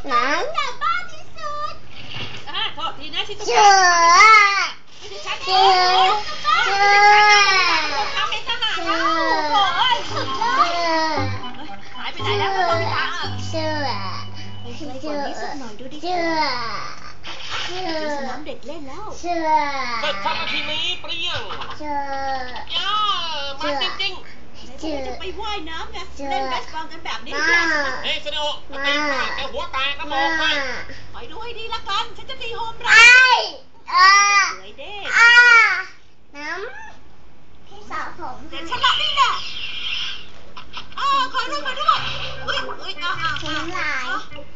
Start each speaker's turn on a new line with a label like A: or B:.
A: น้ำแต่บ้าที่สุด
B: โทษทีนะชิซุกะ
A: เชื่อ
B: เชื่อทำให้ทหารเราโอ้ยสุดยอดหายไปไหนแล้วโนบิตะ
A: เชื่อ
B: ไปไกลกว่านี้สักหน่อยดูดิ
A: เชื่อ
B: สนามเด็กเล่นแล้ว
A: เชื่อ
C: เสร็จทำนาทีนี้เปรี้ยง
A: เชื่
C: ย่ามาจริง
B: จะไปว่ายน้ำไงเล่นเบสบอลกันแบบนี้
C: เฮ้ยเซโนตีพลาดแต่หัวแตกก็บอกไป
B: ไปดูให้ดีละกันฉันจะตีโฮมรันสวยเด้
A: น้ำพี่สาวผม
B: เดี๋ยวฉันละนี่แหละขอรูปมาด้วย
A: น้ำลาย